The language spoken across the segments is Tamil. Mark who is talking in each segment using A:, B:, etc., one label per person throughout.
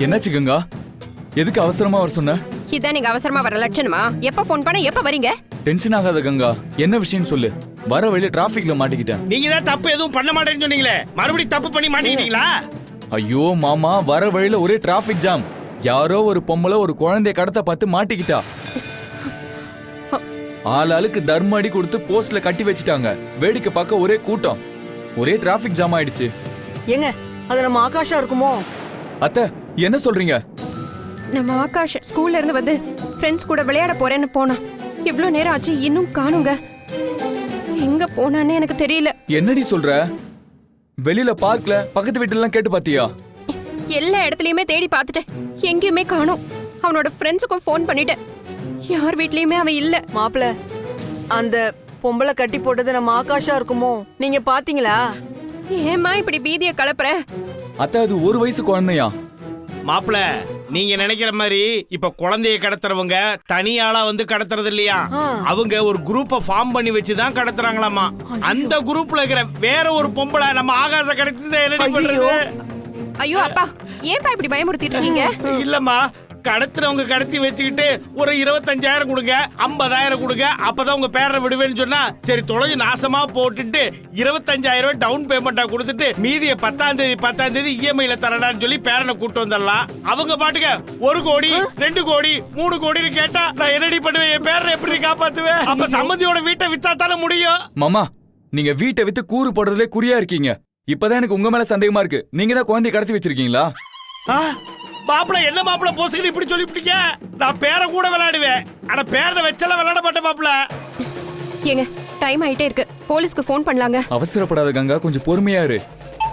A: என்னாச்சு கங்கா? எதுக்கு அவசரமா வர சொன்ன?
B: இதான் நீங்க அவசரமா வர லட்சணமா? எப்ப போன் பண்ண எப்ப வரீங்க?
A: டென்ஷன் ஆகாத கங்கா, என்ன விஷயம் சொல்லு. வர வழியில டிராபிக்ல மாட்டிக்கிட்டேன்.
C: நீங்க தான் தப்பு எதுவும் பண்ண மாட்டேன்னு சொன்னீங்களே, மறுபடியும் தப்பு பண்ணி மாட்டிக்கிட்டீங்களா?
A: ஐயோ மாமா, வர வழியில ஒரே டிராபிக் ஜாம். யாரோ ஒரு பொம்பளை ஒரு குழந்தைய கடத்த பார்த்து மாட்டிக்கிட்டா. ஆளாளுக்கு தர்ம அடி கொடுத்து போஸ்ட்ல கட்டி வச்சிட்டாங்க. வேடிக்கை பார்க்க ஒரே கூட்டம். ஒரே டிராபிக் ஜாம் ஆயிடுச்சு.
D: ஏங்க, அது நம்ம ஆகாஷா இருக்குமோ?
A: அத்தை, என்ன சொல்றீங்க?
B: நம்ம ஆகாஷ் ஸ்கூல்ல இருந்து வந்து ஃப்ரெண்ட்ஸ் கூட விளையாட போறேன்னு போனா. இவ்ளோ நேரம் ஆச்சு, இன்னும் காணுங்க. எங்க போனானே எனக்கு தெரியல.
A: என்னடி சொல்ற? வெளியில பார்க்ல பக்கத்து வீட்டுல எல்லாம் கேட்டு பாத்தியா?
B: எல்லா இடத்துலயுமே தேடி பார்த்துட்டேன், எங்கேயுமே காணோம். அவனோட ஃப்ரெண்ட்ஸுக்கும் ஃபோன் பண்ணிட்டேன், யார் வீட்லயுமே அவன் இல்ல.
D: மாப்பிள, அந்த பொம்பளை கட்டி போட்டது நம்ம ஆகாஷா இருக்குமோ? நீங்க பாத்தீங்களா?
B: ஏமா இப்படி பீதியை கலப்புற?
A: அத்தை, அது ஒரு வயசு குழந்தையா?
C: மாப்பிள, நீங்க நினைக்கிற மாதிரி இப்ப குழந்தைய கடத்துறவங்க தனியாளா வந்து கடத்துறது இல்லையா, அவங்க ஒரு குரூப்பை ஃபார்ம் பண்ணி வச்சுதான் கடத்துறாங்களாமா. அந்த குரூப்ல இருக்கிற வேற ஒரு பொம்பளை நம்ம ஆகாச கடத்தி என்ன பண்றது?
B: ஐயோ அப்பா, ஏன்பா இப்படி பயமுறுத்திட்டு இருக்கீங்க?
C: இல்லம்மா, கடத்துறவங்க கடத்தி வச்சுக்கிட்டு ஒரு 25,000 கொடுங்க, 50,000 கொடுங்க, அப்பதான் உங்க பேரை விடுவேன்னு சொன்னா சரி தொலைஞ்சு நாசமா போட்டுட்டு 25,000 ரூபாய் டவுன் பேமெண்டா கொடுத்துட்டு மீதியை 10ஆம் தேதி இஎம்ஐல தரடான்னு சொல்லி பேரனை கூட்டு வந்துடலாம். அவங்க பாட்டுக்க 1 கோடி 2 கோடி 3 கோடின்னு கேட்டா நான் என்னடி பண்ணுவேன்? என் பேரை எப்படி காப்பாத்துவேன்? அப்ப சம்மந்தியோட வீட்டை வித்தாத்தால முடியும்.
A: மாமா, நீங்க வீட்டை வித்து கூறு போடுறதுலே குறியா இருக்கீங்க. இப்பதான் எனக்கு உங்க மேல சந்தேகமா இருக்கு. நீங்க தான் குழந்தைய கடத்தி வச்சிருக்கீங்களா?
C: மாப்பிள, என்ன மாப்பிள போசுக்கு இப்படி சொல்லிவிட்டீங்க? நான் பேரை கூட விளையாடுவேன், ஆனா பேரை வச்செல்லாம் விளையாட மாட்டேன் மாப்பிள.
B: ஏங்க, டைம் ஆயிட்டே இருக்கு, போலீஸ்க்கு ஃபோன் பண்ணலாங்க.
A: அவசரப்படாத கங்கா, கொஞ்சம் பொறுமையா இரு.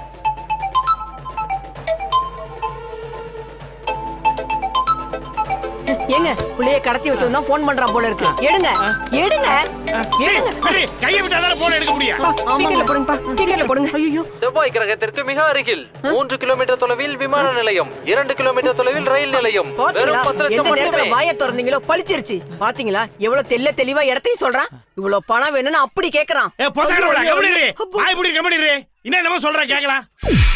D: ஏங்க, புள்ளைய கடத்தி வச்சவன் போன் பண்றான் போல இருக்கு. எடுங்க எடுங்க எடுங்க.
C: கையை விட்டாதானே போன் எடுக்க முடியும்.
B: ஸ்பீக்கர்ல போடுங்கப்பா, ஸ்பீக்கர்ல போடுங்க.
D: ஐயோ,
E: செவ்வாய் கிரகத்திற்கு மிக அருகில் 3 கிலோமீட்டர் தொலைவில் விமான நிலையம், 2 கிலோமீட்டர் தொலைவில் ரயில் நிலையம்.
D: பாத்தீங்களா?
E: 10 லட்சம்
D: எந்த நேரத்துல
E: மட்டுமே.
D: வாயை திறந்தீங்களோ பளிச்சிருச்சு. பாத்தீங்களா எவ்வளவு தெளிவா இடத்தையும் சொல்றான். இவ்வளவு பணம் வேணும்னு அப்படி கேக்குறான்.
C: என்ன என்னமோ சொல்ற கேக்கலாம்.